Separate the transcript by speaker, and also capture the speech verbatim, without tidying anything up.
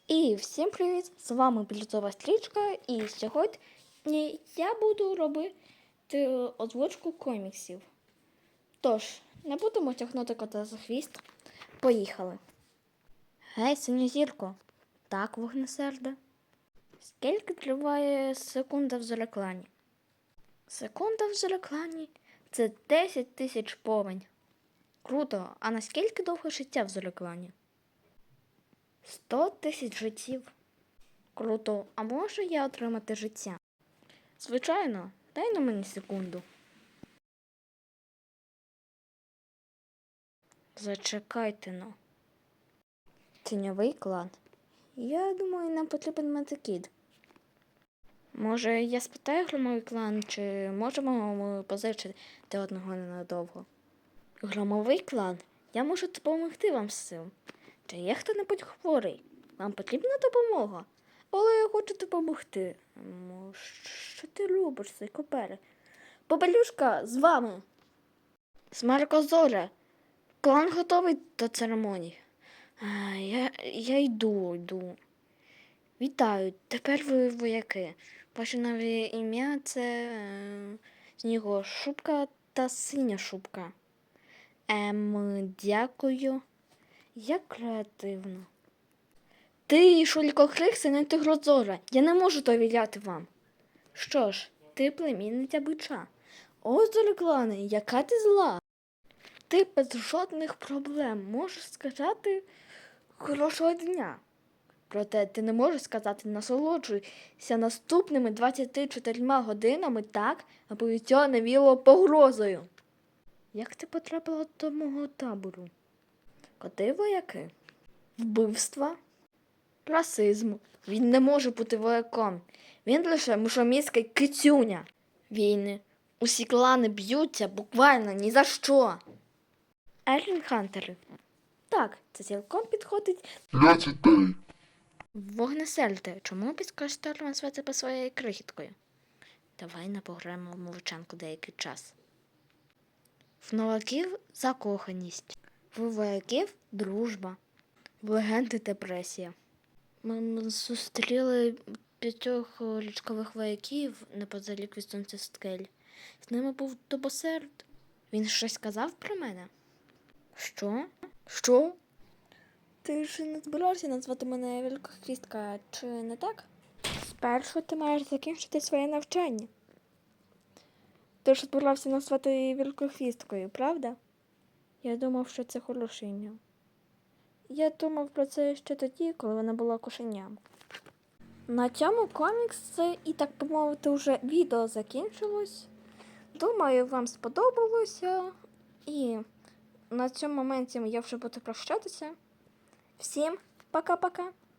Speaker 1: І всім привіт! З вами Бліцова Стрічка, і сьогодні я буду робити озвучку коміксів. Тож, не будемо тягнути кота за хвіст. Поїхали! Гей, синьозірко! Так, вогнесерде? Скільки триває секунда в зереклані? Секунда в зереклані – це десять тисяч повень. Круто! А наскільки довго життя в зереклані? Сто тисяч життів. Круто, а можу я отримати життя? Звичайно, дай на мені секунду. Зачекайте, ну. Тіньовий клан. Я думаю, нам потрібен метакід. Може, я спитаю громовий клан, чи можемо ми позичити одного ненадовго? Громовий клан? Я можу допомогти вам з цим. Чи є хто-небудь хворий? Вам потрібна допомога? Але я хочу допомогти. Що ти робиш, цей копере? Попелюшка, з вами. Смаркозоре, клан готовий до церемонії. А, я, я йду, йду. Вітаю, тепер ви вояки. Ваше нове ім'я – це е, Снігошубка та Синя шубка. Ем, дякую. Як креативно. Ти, Шулькокрик, син Тигрозора. Я не можу довіряти вам. Що ж, ти племінниця бича. О, Зореклане, яка ти зла. Ти без жодних проблем можеш сказати хорошого дня. Проте ти не можеш сказати насолоджуйся наступними двадцятьма чотирма годинами так, аби цього не віло погрозою. Як ти потрапила до мого табору? Коти вояки? Вбивства? Расизм. Він не може бути вояком. Він лише мушоміський кицюня. Війни. Усі клани б'ються буквально ні за що. Ерлін Хантери. Так, це цілком підходить.
Speaker 2: П'ятдесят.
Speaker 1: Вогнесерде, чому підкажете назвати по своєю крихіткою? Давай не пограємо в мовчанку деякий час. В новаків закоханість. В вояків дружба. В легенди депресія. Ми зустріли п'ятьох річкових вояків неподалік від сонцескель. З ними був Тобосерд. Він щось сказав про мене? Що? Що? Ти ж не збирався назвати мене Великохвістка, чи не так? Спершу ти маєш закінчити своє навчання. Ти ж збирався назвати її Великохвісткою, правда? Я думав, що це хороше ім'я. Я думав про це ще тоді, коли вона була кошеням. На цьому комікс, і так би мовити, вже відео закінчилось. Думаю, вам сподобалося. І на цьому моменті я вже буду прощатися. Всім пока-пока!